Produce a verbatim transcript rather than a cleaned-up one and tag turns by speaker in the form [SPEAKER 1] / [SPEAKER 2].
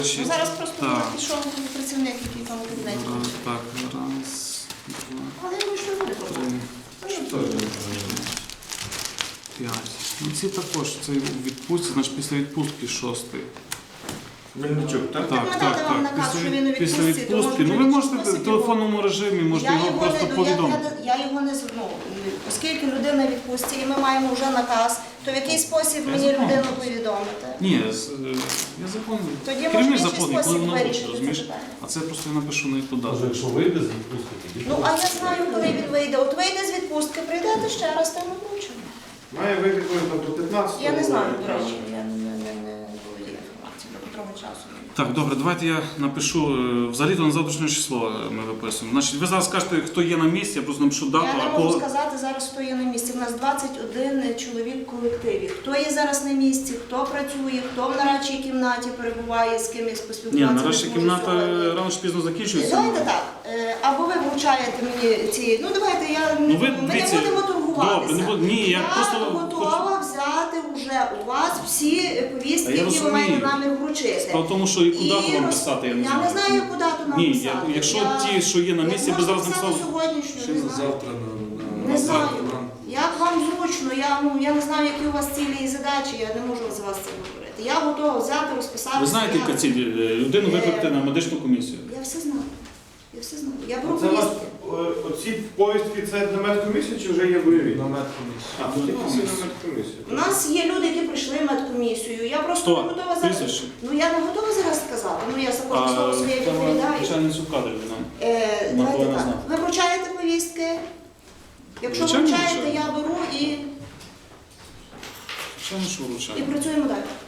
[SPEAKER 1] Ну, зараз просто
[SPEAKER 2] Так.
[SPEAKER 1] пішов працівник, який там у кабінеті.
[SPEAKER 2] Раз, так, раз, два,
[SPEAKER 1] Але я думаю, що не буде
[SPEAKER 2] три,
[SPEAKER 1] проблем. Ну, що?
[SPEAKER 2] п'ять. Ну ці також, це у відпустці, значить після відпустки шостий.
[SPEAKER 3] Мельничук, так?
[SPEAKER 1] Так, надати вам наказ, що він у
[SPEAKER 2] Після
[SPEAKER 1] відпустці, то
[SPEAKER 2] відпустки.
[SPEAKER 1] можете
[SPEAKER 2] Ну ви
[SPEAKER 1] в
[SPEAKER 2] можете в
[SPEAKER 1] список
[SPEAKER 2] телефонному режимі, можете
[SPEAKER 1] Я
[SPEAKER 2] його
[SPEAKER 1] його
[SPEAKER 2] просто
[SPEAKER 1] не, я,
[SPEAKER 2] повідомити.
[SPEAKER 1] я, я його не з- ну, оскільки людина в відпустці і ми маємо вже наказ, то в який спосіб
[SPEAKER 2] Я
[SPEAKER 1] мені
[SPEAKER 2] законний.
[SPEAKER 1] людину повідомити?
[SPEAKER 2] Ні, з- е, я законний.
[SPEAKER 1] Тоді
[SPEAKER 2] Керівник
[SPEAKER 1] може в інший
[SPEAKER 2] законний, коли
[SPEAKER 1] спосіб
[SPEAKER 2] воно
[SPEAKER 1] вирішити
[SPEAKER 2] хоче,
[SPEAKER 1] це
[SPEAKER 2] розумієш?
[SPEAKER 1] питання.
[SPEAKER 2] А це просто я напишу на яку
[SPEAKER 3] Може,
[SPEAKER 2] дату.
[SPEAKER 3] якщо вийде з відпустки, тоді.
[SPEAKER 1] Ну, а я знаю, коли він вийде. От вийде з відпустки, прийдете ще раз, там вручимо.
[SPEAKER 4] Має вийти коли там до п'ятнадцятого.
[SPEAKER 1] Я не знаю, до речі, я не, не, не володію інформацією до котрого часу.
[SPEAKER 2] Так, добре, давайте я напишу. е, Взагалі-то на завтрашнє число е, ми виписуємо. Значить, ви зараз скажете, хто є на місці, я просто напишу дату,
[SPEAKER 1] Я не
[SPEAKER 2] а
[SPEAKER 1] можу
[SPEAKER 2] кого.
[SPEAKER 1] сказати зараз, хто є на місці. У нас двадцять один чоловік в колективі. Хто є зараз на місці, хто працює, хто в нарадчій кімнаті перебуває, з кимось
[SPEAKER 2] Ні,
[SPEAKER 1] поспілкуватися.
[SPEAKER 2] нарешті
[SPEAKER 1] не зможу
[SPEAKER 2] кімната
[SPEAKER 1] сьогодні.
[SPEAKER 2] рано чи пізно закінчується.
[SPEAKER 1] Давайте так. е, Або ви вручаєте мені ці. Ну давайте я
[SPEAKER 2] Ну, ви,
[SPEAKER 1] ми
[SPEAKER 2] дивіться,
[SPEAKER 1] не будемо торгуватися.
[SPEAKER 2] добре, не буду- ні, я
[SPEAKER 1] я
[SPEAKER 2] просто
[SPEAKER 1] готова взяти вже у вас всі повістки,
[SPEAKER 2] А я
[SPEAKER 1] які ви
[SPEAKER 2] розумію.
[SPEAKER 1] маєте намір вручити.
[SPEAKER 2] Справа в тому, що яку
[SPEAKER 1] І
[SPEAKER 2] дату вам
[SPEAKER 1] роз-
[SPEAKER 2] писати, я не
[SPEAKER 1] Я
[SPEAKER 2] знаю.
[SPEAKER 1] не знаю, яку дату нам
[SPEAKER 2] Ні,
[SPEAKER 1] писати.
[SPEAKER 2] я- якщо
[SPEAKER 1] Я-
[SPEAKER 2] ті, що є на місці,
[SPEAKER 1] Як
[SPEAKER 2] ви зараз
[SPEAKER 1] можна
[SPEAKER 2] написали.
[SPEAKER 1] писати сьогоднішню,
[SPEAKER 4] Ще
[SPEAKER 1] не
[SPEAKER 4] на
[SPEAKER 1] знаю.
[SPEAKER 4] завтра на, на
[SPEAKER 1] Не
[SPEAKER 4] на
[SPEAKER 1] знаю.
[SPEAKER 4] завтра нам.
[SPEAKER 1] Як вам зручно, я, ну, я не знаю, які у вас цілі і задачі, я не можу за вас це говорити. Я готова взяти, розписати.
[SPEAKER 2] Ви знаєте, яка ціль? Е, Людину викликати на медичну комісію.
[SPEAKER 1] Я все знаю. Я все знаю. Я беру
[SPEAKER 4] Це у вас
[SPEAKER 1] повістки.
[SPEAKER 4] е, оці повістки це на медкомісію чи вже є бойові?
[SPEAKER 3] На медкомісію.
[SPEAKER 4] А, ну тільки всі на медкомісію.
[SPEAKER 1] У нас є люди, які прийшли в медкомісію. Я просто
[SPEAKER 2] Хто?
[SPEAKER 1] не готова зараз.
[SPEAKER 2] Прізвище?
[SPEAKER 1] Ну я не готова зараз сказати. Ну я за кожне слово своє
[SPEAKER 2] це
[SPEAKER 1] відповідаю.
[SPEAKER 2] начальницю кадрів, вона.
[SPEAKER 1] Е,
[SPEAKER 2] Вона
[SPEAKER 1] давайте
[SPEAKER 2] повинна
[SPEAKER 1] так.
[SPEAKER 2] знати.
[SPEAKER 1] Ви вручаєте повістки. Якщо
[SPEAKER 2] Звичайно,
[SPEAKER 1] вручаєте,
[SPEAKER 2] вручаю.
[SPEAKER 1] я беру і,
[SPEAKER 2] Звичайно, що
[SPEAKER 1] і
[SPEAKER 2] вручає.
[SPEAKER 1] працюємо далі.